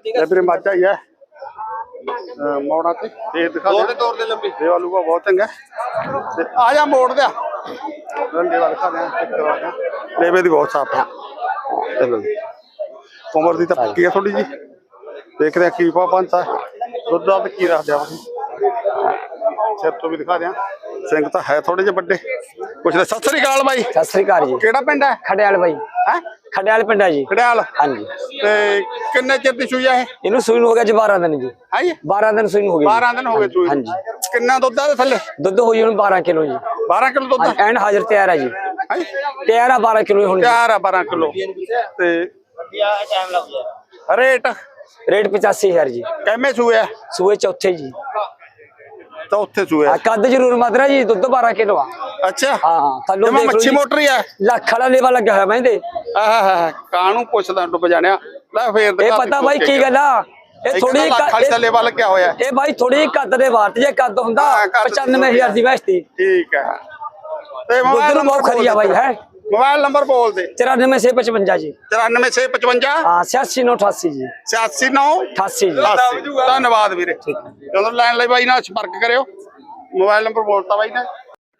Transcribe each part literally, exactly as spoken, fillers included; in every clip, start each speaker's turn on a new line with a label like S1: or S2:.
S1: ਵੀਰੇ ਮੱਝ ਆਈ ਹੈ ਮੋੜਾਂ ਤੇ ਤੇ ਦਿਖਾ ਦੇ ਤੌਰ ਤੇ ਲੰਬੀ ਦੇ ਵਾਲੂਗਾ ਬਹੁਤ ਚੰਗਾ ਤੇ ਆ ਜਾ ਮੋੜ ਦਿਆ ਰੰਡੇ ਵਾਲ ਦਿਖਾ ਦਿਆਂ ਚੈੱਕ ਕਰਵਾ ਦਿਆਂ ਲੇਵੇ ਦੀ ਬਹੁਤ ਸਾਫ ਹੈ ਚਲੋ ਉਮਰ ਦੀ ਤਾਂ ਪੱਕੀ ਹੈ ਥੋੜੀ ਜੀ ਦੇਖਦੇ ਆ ਕੀ ਪਾ ਪੰਤਾ ਦੁੱਧ ਦਾ ਕੀ ਰੱਖ ਦਿਆ ਸਿਰ ਤੋਂ ਵੀ ਦਿਖਾ ਦਿਆਂ ਸਿੰਘ ਤਾਂ ਹੈ ਥੋੜੇ ਜਿਹੇ ਵੱਡੇ ਪੁੱਛਦੇ ਸਤਿ ਸ੍ਰੀ ਅਕਾਲ ਬਾਈ
S2: ਸਤਿ ਸ੍ਰੀ ਅਕਾਲ ਜੀ
S1: ਕਿਹੜਾ ਪਿੰਡ ਹੈ
S2: ਖੜਿਆਲ ਬਾਈ
S1: ਹੈ
S2: ਖੜਿਆਲ ਪਿੰਡ ਹੈ ਜੀ
S1: ਖੜਿਆਲ
S2: ਹਾਂਜੀ
S1: ਤੇ ਕਿੰਨੇ ਚਿਰ ਦੀ ਸੂਈ ਹੈ ਇਹ
S2: ਇਹਨੂੰ ਸੂਈ ਨੂੰ ਹੋ ਗਿਆ ਜੀ ਬਾਰਾਂ ਦਿਨ ਜੀ
S1: ਹੈ ਜੀ
S2: ਬਾਰਾਂ ਦਿਨ ਸੂਈ ਨੂੰ ਹੋ ਗਏ
S1: ਬਾਰਾਂ ਦਿਨ ਹੋ ਗਏ ਸੂਈ
S2: ਹਾਂਜੀ
S1: ਕਿੰਨਾ ਦੁੱਧ ਆ ਥੱਲੇ
S2: ਦੁੱਧ ਹੋਈ ਹੁਣ ਬਾਰਾਂ ਕਿਲੋ ਜੀ
S1: ਬਾਰਾਂ ਕਿਲੋ ਦੁੱਧ
S2: ਐਨ ਹਾਜ਼ਰ ਤਿਆਰ ਹੈ ਜੀ
S1: ਹੈ
S2: ਤਿਆਰ ਆ ਬਾਰਾਂ ਕਿਲੋ ਹੁਣ
S1: ਤਿਆਰ ਆ ਬਾਰਾਂ ਕਿਲੋ ਤੇ ਰੇਟ
S2: ਰੇਟ ਪਚਾਸੀ ਹਜ਼ਾਰ ਜੀ
S1: ਕਿੰਨੇ ਸੂਏ ਆ
S2: ਸੂਏ ਚੌਥੇ ਜੀ
S1: ਚੌਥੇ ਸੂਏ
S2: ਆ ਕੱਦ ਜ਼ਰੂਰ ਮਾਤਰਾ ਜੀ ਦੁੱਧ ਬਾਰਾਂ ਕਿਲੋ ਆ
S1: ਅੱਛਾ
S2: ਹਾਂ ਹਾਂ ਥੱਲੋਂ
S1: ਜਮਾ ਮੱਛੀ ਮੋਟਰ ਹੀ ਆ
S2: ਲੱਖ ਵਾਲਾ ਲੇਵਾ ਲੱਗਿਆ ਹੋਇਆ ਮੈਂਦੇ
S1: ਆਹ ਕਾਹਨੂੰ ਪੁੱਛਦਾ ਡੁੱਬ ਜਾਣਿਆ ਲੈ ਫੇਰ
S2: ਇਹ ਪਤਾ ਬਾਈ ਕੀ ਗੱਲ ਆ ਇਹ ਥੋੜੀ
S1: ਖਾਲੀ ਦਾ ਲੇਵਾ ਲੱਗਿਆ ਹੋਇਆ
S2: ਇਹ ਬਾਈ ਥੋੜੀ ਕੱਦ ਦੇ ਵਾਰਤ ਜੇ ਕੱਦ ਹੁੰਦਾ ਪਚਾਨਵੇਂ ਹਜ਼ਾਰ ਦੀ ਵੈਸਤੀ
S1: ਠੀਕ ਹੈ ਤੇ
S2: ਦੁੱਧ
S1: ਮੋਬਾਈਲ
S2: ਨੂੰ ਬਹੁਤ ਖਰੀ ਆ ਬਾਈ ਹੈ
S1: मोबाइल नंबर बोल दे
S2: चौरानवे छह पचवंजा जी
S1: चौरानवे छह पचवंजा
S2: हाँ छियासी नौ अठासी जी
S1: छियासी नौ
S2: अठासी जी
S1: धन्यवाद वीरे चलो लाइन ले भाई ना संपर्क करियो मोबाइल नंबर बोलता भाई ने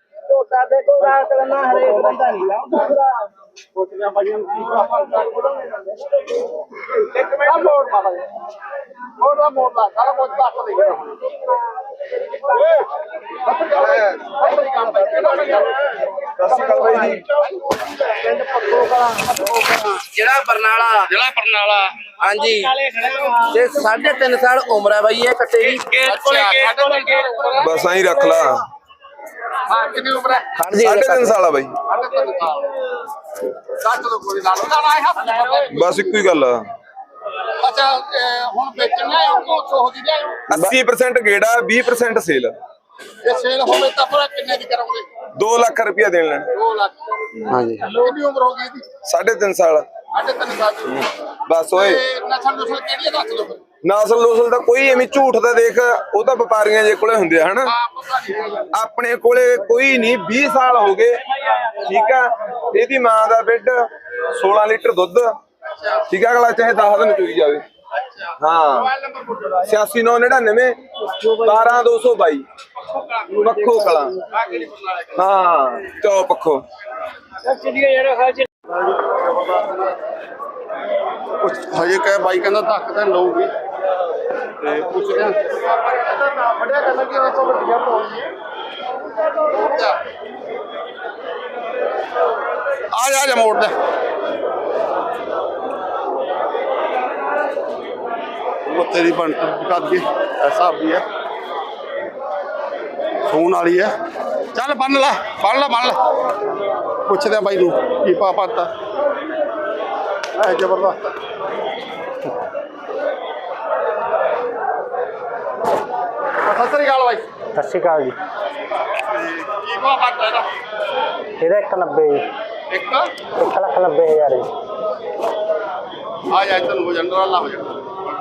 S3: ਜਿਹੜਾ ਬਰਨਾਲਾ
S1: ਜ਼ਿਲ੍ਹਾ ਬਰਨਾਲਾ
S3: ਹਾਂਜੀ ਤੇ ਸਾਢੇ ਤਿੰਨ ਸਾਲ ਉਮਰ ਹੈ ਬਾਈ ਇਹ ਕੱਟੇ ਦੀ
S4: ਬਸ ਆਈ ਰੱਖ ਲਾ
S1: ਹਾਂ ਕਿੰਨੀ ਉਮਰ ਹੈ
S3: ਖੜ ਜੀ
S4: ਸਾਢੇ ਤਿੰਨ ਸਾਲ ਆ ਬਾਈ
S1: ਕੱਟ ਦੋ ਕੋਈ ਨਾਲ ਨਾਲ
S4: ਬਸ ਇੱਕੋ ਹੀ ਗੱਲ ਆ
S1: ਅੱਛਾ ਹੁਣ ਵੇਚਣਾ ਹੈ ਉਹ ਸੌ ਦੀ ਲਿਆਓ
S4: अस्सी परसेंट ਗੇੜਾ ਵੀਹ परसेंट ਸੇਲ
S1: ਇਹ ਸੇਲ ਹੋਵੇ ਤਾਂ ਫਿਰ ਕਿੰਨੇ ਦੀ ਕਰੋਗੇ
S4: ਦੋ ਲੱਖ ਰੁਪਇਆ ਦੇਣ ਲੈਣ
S1: ਦੋ ਲੱਖ
S4: ਹਾਂਜੀ
S1: ਕਿੰਨੀ ਉਮਰ ਹੋ ਗਈ ਇਹਦੀ
S4: ਸਾਢੇ ਤਿੰਨ ਸਾਲ
S1: ਸਾਢੇ ਤਿੰਨ ਸਾਲ ਦੀ
S4: ਬਸ ਓਏ
S1: ਤੇ ਨਸਲ ਨਸਲ ਕਿਹੜੀ ਦੱਸ ਦਿਓ ਫਿਰ
S4: ਨਾਸਲ ਨੂਸਲ ਦਾ ਕੋਈ ਐਵੇਂ ਝੂਠ ਦਾ ਦੇਖ ਉਹ ਤਾਂ ਵਪਾਰੀਆਂ ਜੇ ਕੋਲੇ ਹੁੰਦੇ ਆ ਹਨਾ
S1: ਆਪ ਪਤਾ ਨਹੀਂ
S4: ਆਪਣੇ ਕੋਲੇ ਕੋਈ ਨਹੀਂ ਵੀਹ ਸਾਲ ਹੋ ਗਏ ਠੀਕ ਆ ਇਹਦੀ ਮਾਂ ਦਾ ਬਿੱਡ ਸੋਲਾਂ ਲੀਟਰ ਦੁੱਧ ਠੀਕ ਆ ਅਗਲਾ ਚਾਹੇ ਦਸ ਦਿਨ ਚੋਈ ਜਾਵੇ ਹਾਂ छियासी नौ निन्यानवे बारह दो सौ बाई पखो कला हाँ चौ पखो
S1: ਹਜੇ ਕਹੇ ਬਾਈ ਕਹਿੰਦਾ ਧੱਕ ਤਾਂ ਲਊਗੀ ਤੇ ਪੁੱਛਦੇ ਆ ਵੱਡਿਆ ਕਹਿੰਦਾ ਕਿ ਇਹ ਤੋਂ ਵੱਡੀਆਂ ਪਾਉਣੀ ਆ ਜਾ ਜਾ ਮੋੜ ਦੇ ਉਹ ਤੇਰੀ ਬੰਟ ਕਰ ਗਈ ਐਸਾ ਵੀ ਹੈ ਸੋਨ ਵਾਲੀ ਹੈ ਚੱਲ ਬੰਨ ਲੈ ਬੰਨ ਲੈ ਬੰਨ ਲੈ ਪੁੱਛਦੇ ਆ ਬਾਈ ਨੂੰ ਕੀ ਪਾ ਪਾਤਾ ਐ ਜ਼ਬਰਦਸਤ ਸਤਿ ਸ੍ਰੀ ਅਕਾਲ ਬਾਈ
S2: ਸਤਿ ਸ਼੍ਰੀ ਅਕਾਲ ਜੀ
S1: ਕੀ ਪਾ ਪਾਤਾ ਇਹਦਾ
S2: ਇਹਦਾ ਇੱਕ ਨੱਬੇ ਜੀ
S1: ਇੱਕ
S2: ਇੱਕ ਲੱਖ ਨੱਬੇ ਹਜ਼ਾਰ ਜੀ
S1: ਆ ਜਾ ਤੈਨੂੰ ਹੋ ਜਾਂਦਾ ਅੱਲਾ ਹੋ ਜਾਂਦਾ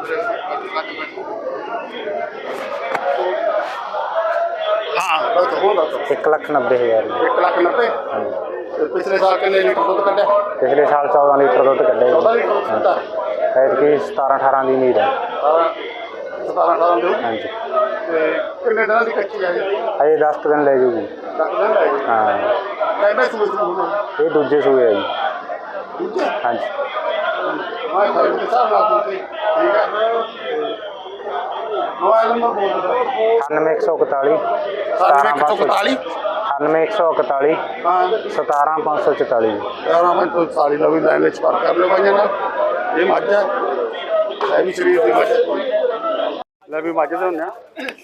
S1: ਹਾਂ ਉਹ ਤਾਂ ਹੁੰਦਾ
S2: ਇੱਕ ਲੱਖ ਨੱਬੇ ਹਜ਼ਾਰ ਜੀ
S1: ਇੱਕ ਲੱਖ ਨੱਬੇ ਤੇ ਪਿਛਲੇ ਸਾਲ ਕਿੰਨੇ ਲੀਟਰ ਦੁੱਧ ਕੱਢਿਆ
S2: ਪਿਛਲੇ ਸਾਲ ਚੌਦਾਂ ਲੀਟਰ ਦੁੱਧ ਕੱਢਿਆ
S1: ਚੌਦਾਂ
S2: ਜੀ
S1: ਲੀਟਰ ਦੁੱਧ ਕੱਢਿਆ
S2: ਐਤਕੀ ਸਤਾਰਾਂ ਅਠਾਰਾਂ ਦੀ ਉਮੀਦ ਹੈ
S1: ਸਤਾਰਾਂ ਅਠਾਰਾਂ ਦੇ
S2: ਹਾਂਜੀ
S1: ਤੇ ਕਿੰਨੇ ਦਿਨਾਂ ਦੀ ਕੱਚੀ ਆ ਜੀ
S2: ਅਜੇ ਦਸ ਕੁ ਦਿਨ ਲੈ ਜੂਗੀ
S1: ਦਸ ਦਿਨ ਲੈ ਗਏ
S2: ਹਾਂ
S1: ਕਹਿੰਦਾ ਸੂਈ ਸੂਈ
S2: ਇਹ ਦੂਜੇ ਸੂਏ ਹੈ ਜੀ
S1: ਦੂਜੇ
S2: ਹਾਂਜੀ
S1: ਮੈਂ ਖਾਈ ਦੇ ਹਿਸਾਬ ਨਾਲ ਤੁਸੀਂ ਠੀਕ ਹੈ ਮੋਬਾਈਲ ਨੰਬਰ ਬੋਲ ਦਿਓ
S2: ਅਠਾਨਵੇਂ ਇੱਕ ਸੌ ਇਕਤਾਲੀ
S1: ਅਠਾਨਵੇਂ ਇੱਕ ਸੌ ਇਕਤਾਲੀ
S2: ਅਠਾਨਵੇਂ ਇੱਕ ਸੌ ਇਕਤਾਲੀ
S1: ਹਾਂ
S2: ਸਤਾਰਾਂ ਪੰਜ ਸੌ ਚੁਤਾਲੀ
S1: ਯਾਰਾਂ ਮੈਂ ਤੋਂ ਸਾਰੀ ਦਾ ਵੀ ਲਾਈਨ ਵਿੱਚ ਪਾਰ ਕਰ ਲਿਓ ਭਾਈਆਂ ਨਾਲ ਇਹ ਮੱਝ ਹੈ ਇਹ ਵੀ ਸਰੀਰ ਦੀ ਮੱਝ ਲੈ ਵੀ ਮੱਝ ਦੇ ਹੁੰਦੇ ਆ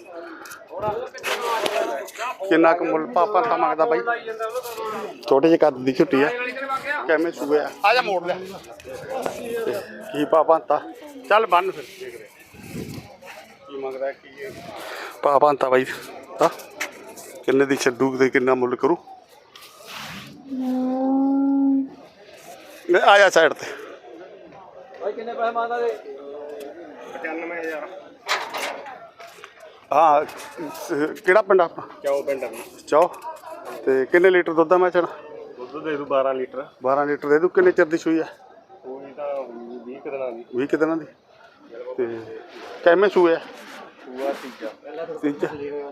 S1: ਕਿੰਨਾ ਕੁ ਮੁੱਲ ਪਾਪਾ ਤਾਂ ਮੰਗਦਾ ਬਾਈ ਛੋਟੇ ਜਿਹੇ ਕੱਦ ਦੀ ਝੁੱਟੀ ਆ ਕਿਵੇਂ ਸੂਏ ਆ ਆ ਜਾ ਮੋੜ ਲਿਆ ਕੀ ਪਾਪਾ ਤਾਂ ਚੱਲ ਬੰਨ ਫਿਰ ਦੇਖਦੇ ਕੀ ਮੰਗਦਾ ਕੀ ਪਾਪਾ ਤਾਂ ਬਾਈ ਹਾਂ ਕਿੰਨੇ ਦੀ ਛੱਡੂ ਤੇ ਕਿੰਨਾ ਮੁੱਲ ਕਰੂ ਆ ਜਾ ਸਾਈਡ ਤੇ
S3: ਬਾਈ ਕਿੰਨੇ ਪੈਸੇ ਮੰਗਦਾ ਦੇ
S1: ਪਚਾਨਵੇਂ ਹਜ਼ਾਰ ਹਾਂ ਕਿਹੜਾ ਪਿੰਡ ਆਪਣਾ
S3: ਚੌ ਪਿੰਡ
S1: ਚੌ ਤੇ ਕਿੰਨੇ ਲੀਟਰ ਦੁੱਧ ਆ ਮੈਂ ਚਣਾ
S3: ਦੁੱਧ ਦੇ ਦੂ ਬਾਰਾਂ ਲੀਟਰ
S1: ਬਾਰਾਂ ਲੀਟਰ ਦੇ ਦੂ ਕਿੰਨੇ ਚਿਰ ਦੀ ਸੂਈ ਆ
S3: ਕੋਈ ਤਾਂ ਵੀਹ ਕੁ ਦਿਨਾਂ ਦੀ
S1: ਵੀਹ ਕੁ ਦਿਨਾਂ ਦੀ ਤੇ ਕਿਵੇਂ ਸੂਏ ਆ? ਤੀਜਾ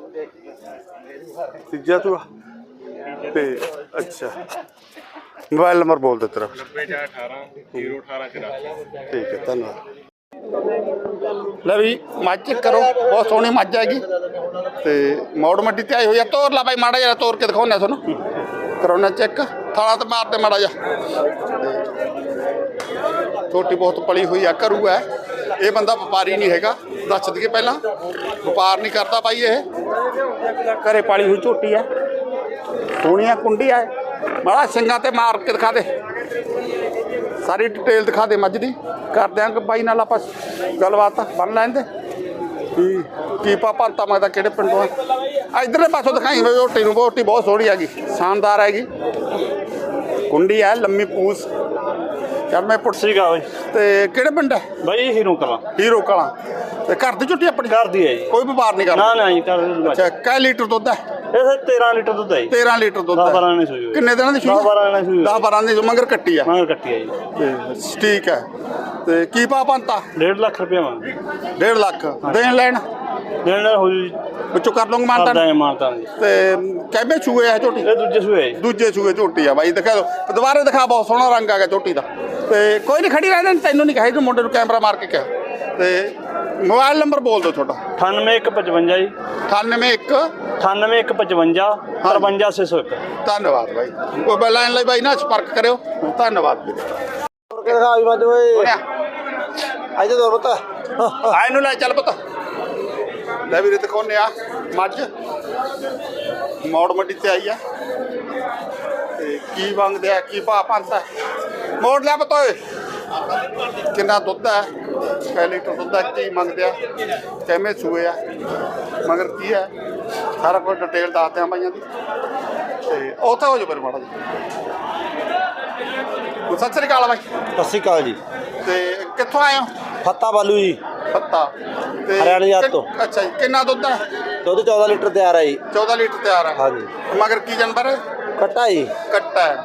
S1: ਤੀਜਾ ਸੂਆ ਤੇ ਅੱਛਾ ਮੋਬਾਈਲ ਨੰਬਰ ਬੋਲ ਦੇ ਤੇਰਾ।
S5: ਨੱਬੇ ਚਾਰ ਅਠਾਰਾਂ ਜ਼ੀਰੋ ਅਠਾਰਾਂ ਚੁਰਾਸੀ।
S1: ਠੀਕ ਹੈ ਧੰਨਵਾਦ। ਲੈ ਵੀ ਮੱਝ ਚੈੱਕ ਕਰੋ, ਬਹੁਤ ਸੋਹਣੀ ਮੱਝ ਹੈਗੀ ਤੇ ਮੌੜ ਮੱਡੀ ਤੇ ਆਈ ਹੋਈ ਆ। ਤੋਰ ਲਾ ਬਾਈ ਮਾੜਾ ਜਿਹਾ, ਤੋਰ ਕੇ ਦਿਖਾਉਂਦੇ ਤੁਹਾਨੂੰ, ਕਰਾਉਣਾ ਚੈੱਕ। ਥਾਲਾ ਤੇ ਮਾਰਦੇ ਮਾੜਾ ਜਿਹਾ। ਛੋਟੀ ਬਹੁਤ ਪਲੀ ਹੋਈ ਆ, ਕਰੂ ਹੈ ਇਹ ਬੰਦਾ, ਵਪਾਰੀ ਨਹੀਂ ਹੈਗਾ, ਦੱਸ ਦਈਏ ਪਹਿਲਾਂ, ਵਪਾਰ ਨਹੀਂ ਕਰਦਾ ਬਾਈ ਇਹ, ਘਰੇ ਪਾਲੀ ਹੋਈ ਝੋਟੀ ਹੈ, ਸੋਹਣੀਆਂ ਕੁੰਡੀ ਹੈ। ਮਾੜਾ ਸਿੰਘਾਂ ਤੇ ਮਾਰ ਕੇ ਦਿਖਾ ਦੇ, ਸਾਰੀ ਡਿਟੇਲ ਦਿਖਾ ਦੇ ਮੱਝ ਦੀ, ਕਰ ਦਿਆਂਗੇ ਬਾਈ ਨਾਲ ਆਪਾਂ ਗੱਲਬਾਤ ਬਣ ਲੈਂਦੇ ਕੀ ਕੀ ਪਾਪਾ ਮੈਂ ਤਾਂ ਕਿਹੜੇ ਪਿੰਡੋਂ ਆ। ਇੱਧਰਲੇ ਪਾਸੋਂ ਦਿਖਾਈ ਝੋਟੀ ਨੂੰ, ਝੋਟੀ ਬਹੁਤ ਸੋਹਣੀ ਹੈਗੀ, ਸ਼ਾਨਦਾਰ ਹੈਗੀ, ਕੁੰਡੀ ਹੈ, ਲੰਮੀ ਪੂਛ। ਚੱਲ ਮੈਂ ਪੁੱਛ
S6: ਸੀਗਾ ਬਈ
S1: ਤੇ ਕਿਹੜੇ ਪਿੰਡ ਹੈ
S6: ਬਈ ਹੀਰੋ ਕਲਾਂ
S1: ਹੀਰੋ ਕਲਾਂ। ਤੇ ਘਰ ਦੀ ਝੋਟੀ ਆਪਣੀ?
S6: ਘਰ ਦੀ ਹੈ ਜੀ,
S1: ਕੋਈ ਵਪਾਰ ਨਹੀਂ ਕਰਦਾ?
S6: ਨਾ ਨਾ ਜੀ ਘਰ ਦੀ।
S1: ਅੱਛਾ, ਕੈ ਲੀਟਰ ਦੁੱਧ ਹੈ
S6: ਇਹ ਤੇਰਾਂ ਲੀਟਰ ਦੁੱਧ ਹੈ ਜੀ।
S1: ਤੇਰਾਂ ਲੀਟਰ ਦੁੱਧ
S6: ਦਸ
S1: ਹੈ।
S6: ਬਾਰਾਂ ਨੇ ਸੂਈ ਹੋਈ।
S1: ਕਿੰਨੇ ਦਿਨਾਂ ਦੀ ਸੂਈ?
S6: ਦਸ ਬਾਰਾਂ ਨੇ ਸੂਈ ਹੋਈ।
S1: ਦਸ ਬਾਰਾਂ ਦੀ ਮਗਰ ਕੱਟੀ ਆ?
S6: ਮਗਰ ਕੱਟੀ ਹੈ ਜੀ।
S1: ਤੇ ਠੀਕ ਹੈ। ਤੇ ਕੀ ਭਾਅ ਪੰਤਾ?
S6: ਡੇਢ ਲੱਖ ਰੁਪਏ ਮੰਗ
S1: ਡੇਢ ਲੱਖ ਦੇਣ ਲੈਣ
S6: ਦੇਣ ਨਾਲ ਹੋ ਜੀ,
S1: ਵਿੱਚੋਂ ਕਰ ਲਵਾਂਗੇ
S6: ਕਰਦਾ
S1: ਮਾਨਤਾ।
S6: ਹੈ ਮਾਨਤਾ ਜੀ।
S1: ਤੇ ਕਿਵੇਂ ਸੂਏ ਆ ਝੋਟੀ?
S6: ਇਹ ਦੂਜੇ ਸੂਏ ਹੈ ਜੀ।
S1: ਦੂਜੇ ਸੂਏ ਝੋਟੀ ਆ ਬਾਈ, ਦਿਖਾ ਦਿਓ ਦੁਬਾਰੇ, ਦਿਖਾ, ਬਹੁਤ ਸੋਹਣਾ ਰੰਗ ਆ ਗਿਆ ਝੋਟੀ ਦਾ। ਤੇ ਕੋਈ ਨਹੀਂ, ਖੜੀ ਰਹਿ, ਤੈਨੂੰ ਨਹੀਂ ਕਹੇ, ਮੁੰਡੇ ਨੂੰ ਕੈਮਰਾ ਮਾਰ ਕੇ ਕਿਹਾ। ਤੇ ਮੋਬਾਈਲ ਨੰਬਰ ਬੋਲ ਦਿਓ ਤੁਹਾਡਾ।
S6: ਅਠਾਨਵੇਂ ਇੱਕ ਪਚਵੰਜਾ ਜੀ,
S1: ਅਠਾਨਵੇਂ ਇੱਕ
S6: ਅਠਾਨਵੇਂ ਇੱਕ ਪਚਵੰਜਾ ਤਰਵੰਜਾ ਛੇ ਸੌ ਇੱਕ।
S1: ਧੰਨਵਾਦ ਬਾਈ। ਕੋਈ ਬੈਲਾਈਨ ਲਈ ਬਾਈ ਨਾਲ ਸੰਪਰਕ ਕਰਿਓ। ਧੰਨਵਾਦ ਵੀਰੇ।
S3: ਅੱਜ ਦੋ ਪਤਾ
S1: ਆ ਇਹਨੂੰ ਲੈ ਚੱਲ ਪੁੱਤ। ਲੈ ਵੀਰੇ ਦਿਖਾਉਂਦੇ ਆ ਮੱਝ, ਮੌੜ ਮੰਡੀ ਤੇ ਆਈ ਆ ਤੇ ਕੀ ਮੰਗਦੇ ਆ, ਕੀ ਭਾਅ ਪੰਤਾ? ਮੋੜ ਲਿਆ ਪੁੱਤ ਓਏ, ਕਿੰਨਾ ਦੁੱਧ ਹੈ, ਕੈ ਲੀਟਰ ਦੁੱਧ ਹੈ, ਕੀ ਮੰਗਦੇ ਆ, ਕਿਵੇਂ ਸੂਏ ਆ, ਮਗਰ ਕੀ ਹੈ, ਸਾਰਾ ਕੁਝ ਡਿਟੇਲ ਦੱਸਦੇ ਆ ਬਾਈਆਂ ਦੀ। ਤੇ ਉੱਥੇ ਹੋ ਜਾਓ ਫਿਰ ਮਾੜਾ ਜੀ। ਸਤਿ ਸ੍ਰੀ ਅਕਾਲ ਬਾਈ।
S3: ਸਤਿ ਸ਼੍ਰੀ ਅਕਾਲ ਜੀ।
S1: ਤੇ ਕਿੱਥੋਂ ਆਏ ਹੋ?
S3: ਫੱਤਾ ਬਾਲੂ ਜੀ,
S1: ਫੱਤਾ ਤੇ
S3: ਹਰਿਆਣੇ ਜਾਤ ਤੋਂ।
S1: ਅੱਛਾ ਜੀ, ਕਿੰਨਾ ਦੁੱਧ ਹੈ?
S3: ਦੁੱਧ ਚੌਦਾਂ ਲੀਟਰ ਤਿਆਰ ਹੈ ਜੀ।
S1: ਚੌਦਾਂ ਲੀਟਰ ਤਿਆਰ ਹੈ।
S3: ਹਾਂਜੀ।
S1: ਮਗਰ ਕੀ ਜਾਨਵਰ ਹੈ?
S3: ਕੱਟਾ ਜੀ,
S1: ਕੱਟਾ ਹੈ।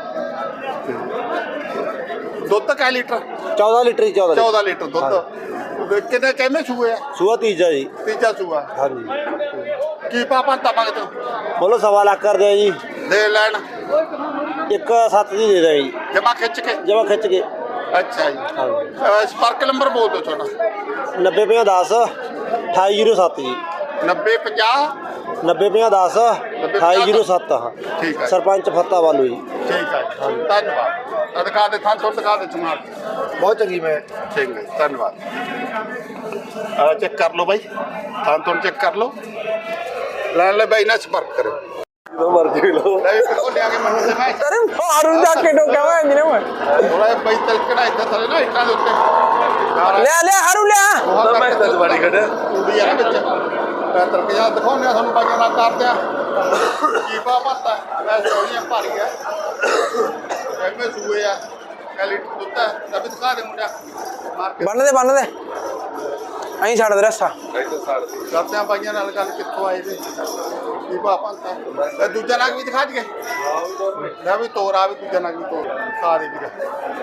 S1: ਦੁੱਧ ਕੈ ਲੀਟਰ?
S3: ਚੌਦਾਂ ਲੀਟਰ ਜੀ, ਚੌਦਾਂ
S1: ਚੌਦਾਂ ਲੀਟਰ ਦੁੱਧ। ਕਿੰਨੇ ਕਿੰਨੇ ਸੂਏ ਆ?
S3: ਸੂਆ ਤੀਜਾ ਜੀ।
S1: ਤੀਜਾ ਸੂਆ।
S3: ਹਾਂਜੀ।
S1: ਕੀ ਪਾਪਾ ਤਾਂ ਮੰਗਦੇ ਹੋ?
S3: ਬੋਲੋ ਸਵਾ ਲੱਖ ਕਰ ਦਿਓ ਜੀ।
S1: ਦੇ ਲੈਣ
S3: ਇੱਕ ਸੱਤ ਦੀ ਦੇ ਦਿਓ ਜੀ,
S1: ਜਮਾ ਖਿੱਚ ਕੇ।
S3: ਜਮਾ ਖਿੱਚ ਕੇ।
S1: ਅੱਛਾ ਜੀ।
S3: ਹਾਂਜੀ।
S1: ਅਹ ਸੰਪਰਕ ਨੰਬਰ ਬੋਲ ਦਿਓ ਤੁਹਾਡਾ।
S3: ਨੱਬੇ ਪੰਜਾਹ ਦਸ ਅਠਾਈ ਜ਼ੀਰੋ ਸੱਤ ਜੀ।
S1: ਨੱਬੇ ਪੰਜਾਹ
S3: ਨੱਬੇ ਪੰਜਾਹ ਦਸ ਅਠਾਈ ਜ਼ੀਰੋ ਸੱਤ। ਹਾਂ,
S1: ਠੀਕ ਹੈ।
S3: ਸਰਪੰਚ ਫੱਤਾ ਬਾਲੂ ਜੀ।
S1: ਠੀਕ ਹੈ ਜੀ, ਧੰਨਵਾਦ। ਆਹ ਦਿਖਾ ਦੇ ਥਾਂ ਤੋਂ, ਦਿਖਾ ਦੇ ਸਮਾਨ।
S3: ਬਹੁਤ ਚੰਗੀ ਮੈਂ।
S1: ਠੀਕ ਹੈ, ਧੰਨਵਾਦ। ਆ ਚੈੱਕ ਕਰ ਲਓ ਬਾਈ, ਥਾਂ ਤੋਂ ਚੈੱਕ ਕਰ ਲਓ। ਲੈਣ ਲੈ ਬਾਈ ਨਾਲ ਸੰਪਰਕ ਕਰੋ।
S3: ਦੋ ਮਰਜ਼ੀ ਲਓ।
S1: ਲੈ ਵੀ ਕੋਲ ਲਿਆ ਕੇ ਮੈਨੂੰ ਤੇ ਮੈਂ
S2: ਅਰੇ ਮਾਰੂ ਜਾ ਕੇ ਡੋਕਾ ਵਾ ਇੰਨੇ ਮੈਂ
S1: ਥੋੜਾ ਜਿਹਾ ਬਾਈ ਤਲਕੜਾ ਇੱਥੇ ਥੱਲੇ ਨਾ ਇੱਟਾਂ ਦੇ ਉੱਤੇ
S2: ਲੈ ਲੈ ਹਰੂ ਲਿਆ।
S1: ਬਹੁਤ ਮੈਂ ਤਾਂ ਬੜੀ ਖੜੇ ਕੁੜੀ ਆ ਨਾ ਵਿੱਚ ਮੈਂ ਤਲਕ ਜਾ ਦਿਖਾਉਂਦੇ ਆ ਤੁਹਾਨੂੰ ਬਾਈਆਂ ਨਾਲ ਕਰਦੇ ਆ ਕੀ ਪਾ ਪਤਾ ਮੈਂ ਸੋਹਣੀਆਂ ਭਾਰੀ ਆ ਐਵੇਂ ਸੂਏ ਆ ਕਲੀ ਦੁੱਤਾ ਤਬ ਦਿਖਾ ਦੇ ਮੁੰਡਾ ਮਾਰ ਕੇ
S2: ਬੰਨ ਦੇ ਬੰਨ ਦੇ ਐਂ ਛੱਡ ਦੇ ਰਸਾ।
S1: ਕਰਦੇ ਆ ਬਾਈਆਂ ਨਾਲ ਗੱਲ, ਕਿੱਥੋਂ ਆਏ ਨੇ, ਕੀ ਪਾ ਪਤਾ। ਦੂਜਾ ਨਾਗ ਵੀ ਦਿਖਾ ਦਈਏ, ਲੈ ਵੀ ਤੋਰ ਆ ਵੀ ਦੂਜਾ ਨਾਗ ਵੀ ਤੋਰ ਦਿਖਾ ਦੇ ਵੀਰੇ।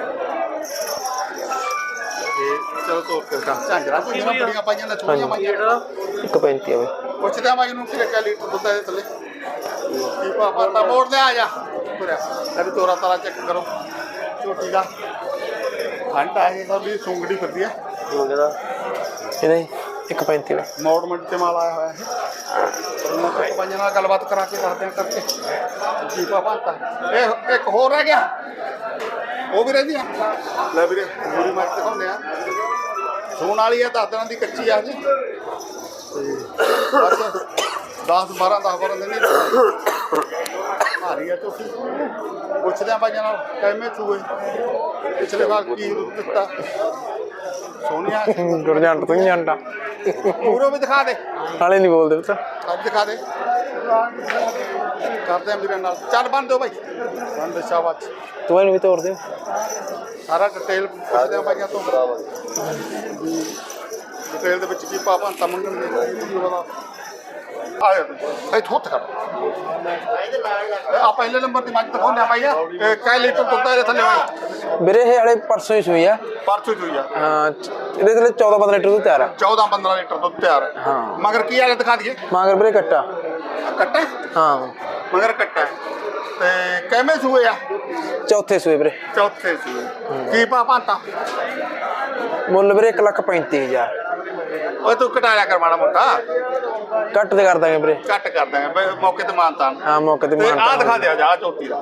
S1: ਚਲੋ ਤੋਰ ਕੇ ਦਿਖਾ। ਝਾਂਜਰਾ ਝੁੰਜਰਾ ਬੜੀਆਂ ਪਾਈਆਂ ਨੇ, ਛੋਟੀਆਂ ਪਾਈਆਂ
S3: ਇੱਕ ਪੈਂਤੀ ਆ
S1: ਪੁੱਛਦਾ ਬਾਈ ਨੂੰ ਕਿ ਕੈ ਲੀਟਰ ਦੁੱਧ ਦੇ ਥੱਲੇ ਕੀ ਪਾ ਪਤਾ। ਮੋੜ ਦੇ ਆ ਜਾ ਤੁਰਿਆ। ਲੈ ਵੀ ਤੋਰਾ ਤਾਰਾ ਚੈੱਕ ਕਰੋ ਝੋਟੀ ਦਾ। ਖੰਡ ਆ ਇਹ ਸਭ ਵੀ ਸੁੰਗੜੀ ਫਿਰਦੀ ਆ।
S3: ਇਹਦਾ ਇੱਕ ਪੈਂਤੀ ਦਾ
S1: ਮੌੜ ਮੰਡੀ ਤੇ ਮਾਲ ਆਇਆ ਹੋਇਆ ਹੈ। ਉਹਨਾਂ ਤੋਂ ਪੰਜਾਂ ਨਾਲ ਗੱਲਬਾਤ ਕਰਾ ਕੇ ਦੱਸਦੇ ਆ ਕਰਕੇ ਕੀ ਪਾ ਪਤਾ। ਇਹ ਇੱਕ ਹੋਰ ਰਹਿ ਗਿਆ, ਉਹ ਵੀ ਰਹਿੰਦੀ ਆ। ਲੈ ਵੀਰੇ ਪੂਰੀ ਮਾਰ ਦਿਖਾਉਂਦੇ ਆ। ਸੂਣ ਵਾਲੀ ਆ, ਦਸ ਦਿਨਾਂ ਦੀ ਕੱਚੀ ਆ ਜੀ। ਤੇ ਬਸ ਦਸ ਬਾਰਾਂ ਦਸ ਬਾਰਾਂ ਦਿਨ ਹੀ ਭਾਰੀ ਆ ਝੋਟੀ। ਪੁੱਛਦੇ ਆ ਬਾਈਆਂ ਨਾਲ ਕਿਵੇਂ ਚੂਏ ਪਿਛਲੇ ਵਾਰ ਕੀ ਦਿੱਤਾ। ਸੋਨੀਆ
S2: ਜੁੜ ਜਾਂਟ ਤੂੰ ਜਾਂਟਾ
S1: ਪੂਰੋ ਵੀ ਦਿਖਾ ਦੇ,
S2: ਨਾਲੇ ਨਹੀਂ ਬੋਲਦੇ ਪੁੱਤ।
S1: ਅੱਜ ਦਿਖਾ ਦੇ। ਕਰਦੇ ਆ ਵੀਰੇ ਨਾਲ। ਚੱਲ ਬੰਦ ਦਿਓ ਬਾਈ, ਬੰਦ ਸ਼ਾਬਾਸ਼।
S2: ਤੂੰ ਇਹਨੂੰ ਵੀ ਤੋੜ ਦੇ।
S1: ਸਾਰਾ ਡਿਟੇਲ ਪੁੱਛਦੇ ਆ ਬਾਈਆਂ ਤੋਂ। ਡਿਟੇਲ ਦੇ ਵਿੱਚ ਕੀ ਪਾ ਭਾਂਤਾ ਮੰਗਣਗੇ ਆ ਜਾ ਇੱਥੋਂ ਉੱਠ ਕਰ ਆ ਪਹਿਲੇ ਨੰਬਰ ਦੀ ਮੱਝ ਦਿਖਾਉਂਦੇ ਆ ਭਾਈ ਆ ਇਹ ਕਈ ਲੀਟਰ ਦੁੱਧ ਆ ਇਹਦੇ ਥੱਲੇ ਭਾਈ
S3: ਵੀਰੇ ਇਹ ਹਲੇ ਪਰਸੋਂ ਹੀ ਸੂਈ ਆ
S1: ਪਰਸੋਂ ਹੀ ਹੋਈ ਆ
S3: ਹਾਂ ਇਹਦੇ ਥੱਲੇ ਚੌਦਾਂ ਪੰਦਰਾਂ ਲੀਟਰ ਦੁੱਧ ਤਿਆਰ ਆ
S1: ਚੌਦਾਂ ਪੰਦਰਾਂ ਲੀਟਰ ਦੁੱਧ ਤਿਆਰ ਹੈ
S3: ਹਾਂ।
S1: ਮਗਰ ਕੀ ਆ ਗਿਆ ਦਿਖਾ ਦਈਏ
S3: ਮਗਰ ਵੀਰੇ ਕੱਟਾ
S1: ਕੱਟਾ
S3: ਹਾਂ
S1: ਮਗਰ ਕੱਟਾ ਤੇ ਕਿਵੇਂ ਸੂਏ ਆ
S3: ਚੌਥੇ ਸੂਏ ਵੀਰੇ
S1: ਚੌਥੇ ਸੂਏ ਕੀ ਪਾ ਭਾਂਤਾ
S3: ਮੁੱਲ ਵੀਰੇ ਇੱਕ ਲੱਖ ਪੈਂਤੀ ਹਜ਼ਾਰ
S1: ਓਏ ਤੂੰ ਘਟਾ ਲਿਆ ਕਰ ਮਾੜਾ ਮੋਟਾ
S3: ਕੱਟ ਤੇ ਕਰ ਦਾਂਗੇ ਵੀਰੇ
S1: ਕੱਟ ਕਰ ਦਾਂਗੇ ਬਈ ਮੌਕੇ ਤੇ ਮਾਨਤਾਨ
S3: ਹਾਂ ਮੌਕੇ ਤੇ
S1: ਤੇ
S3: ਮਾਨ
S1: ਆ ਦਿਖਾ ਦਿਓ ਜਾ ਝੋਟੀ ਦਾ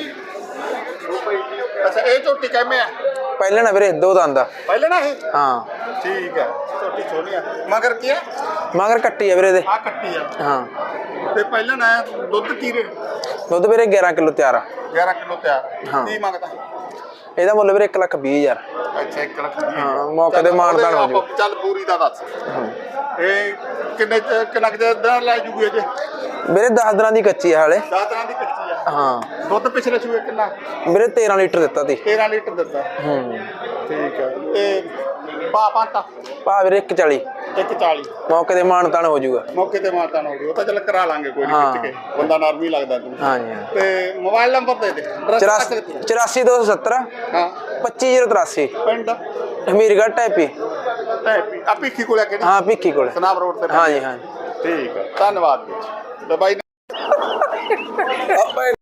S1: ਅੱਛਾ ਇਹ ਝੋਟੀ ਕਿਵੇਂ ਆ
S3: ਪਹਿਲੇ ਨਾ ਵੀਰੇ ਦੋ ਦੰਦ ਆ
S1: ਪਹਿਲੇ ਨਾ ਇਹ
S3: ਹਾਂ
S1: ਠੀਕ ਹੈ ਝੋਟੀ ਸੋਹਣੀ ਆ ਮਗਰ ਕੀ ਆ
S3: ਮਗਰ ਕੱਟੀ ਆ ਵੀਰੇ ਇਹਦੇ
S1: ਆ ਕੱਟੀ ਆ
S3: ਹਾਂ
S1: ਤੇ ਪਹਿਲਾਂ ਨਾ ਦੁੱਧ ਕੀ ਰੇ
S3: ਦੁੱਧ ਵੀਰੇ ਗਿਆਰਾਂ ਕਿਲੋ ਤਿਆਰ ਆ
S1: ਗਿਆਰਾਂ ਕਿਲੋ ਤਿਆਰ
S3: ਹਾਂ।
S1: ਕੀ ਮੰਗਦਾ
S3: ਇਹਦਾ ਮੁੱਲ ਵੀਰੇ ਇੱਕ ਲੱਖ ਵੀਹ ਹਜ਼ਾਰ
S1: ਅੱਛਾ ਇੱਕ ਲੱਖ ਵੀਹ।
S3: ਹਾਂ, ਮੌਕੇ ਤੇ ਮਾਨਤਾਨ ਹੋ ਜਾਊ।
S1: ਚੱਲ ਪੂਰੀ ਦਾ ਦੱਸ ਇਹ ਕਿੰਨੇ ਚ- ਕਿੰਨਾ ਕੁ ਦਿਨ ਲੈ ਜੂਗੀ ਅਜੇ
S3: ਵੀਰੇ ਦਸ ਦਿਨਾਂ ਦੀ ਕੱਚੀ ਆ ਹਾਲੇ
S1: ਦਸ ਤਰ੍ਹਾਂ ਦੀ ਕੱਚੀ ਆ
S3: ਹਾਂ
S1: ਦੁੱਧ ਪਿਛਲੇ ਸੂਏ ਕਿੰਨਾ
S3: ਵੀਰੇ ਤੇਰਾਂ ਲੀਟਰ ਦਿੱਤਾ ਤੀ
S1: ਤੇਰਾਂ ਲੀਟਰ ਦਿੱਤਾ
S3: ਹੂੰ
S1: ਠੀਕ ਹੈ ਤੇ ਪਾ ਪਾਂਤਾ
S3: ਭਾ ਵੀਰੇ ਇੱਕ ਚਾਲੀ
S1: ਇੱਕ ਚਾਲੀ
S3: ਮੌਕੇ ਤੇ ਮਾਨਤਾਨ ਹੋ ਜਾਊਗਾ
S1: ਮੌਕੇ ਤੇ ਮਾਤਾ ਨਾ ਹੋ ਗਈ ਉਹ ਤਾਂ ਚੱਲ ਕਰਾ ਲਾਂਗੇ ਕੋਈ ਨਹੀਂ
S3: ਹਾਂ।
S1: ਖਿੱਚ ਕੇ ਬੰਦਾ ਨਰਮ ਹੀ ਲੱਗਦਾ ਤੂੰ
S3: ਹਾਂਜੀ ਹਾਂ
S1: ਤੇ ਮੋਬਾਈਲ ਨੰਬਰ ਦੇ ਦੇ address
S3: ਚੁਰਾਸੀ
S1: ਤੱਕ ਦੇ।
S3: ਚੁਰਾਸੀ ਦੋ ਸੌ ਸੱਤਰ
S1: ਹਾਂ
S3: ਪੱਚੀ ਜ਼ੀਰੋ ਤਰਾਸੀ
S1: ਪਿੰਡ
S3: ਹਮੀਰਗੜ੍ਹ ਟੈਪੀ
S1: ਟੈਪੀ ਆ ਭਿੱਖੀ ਕੋਲ ਆ ਕਿਹੜੀ
S3: ਹਾਂ ਭਿੱਖੀ ਕੋਲ
S1: ਸਨਾਬ ਰੋਡ ਤੇ
S3: ਹਾਂਜੀ ਹਾਂ
S1: ਠੀਕ ਹੈ ਧੰਨਵਾਦ ਜੀ ਤੇ ਬਾਈ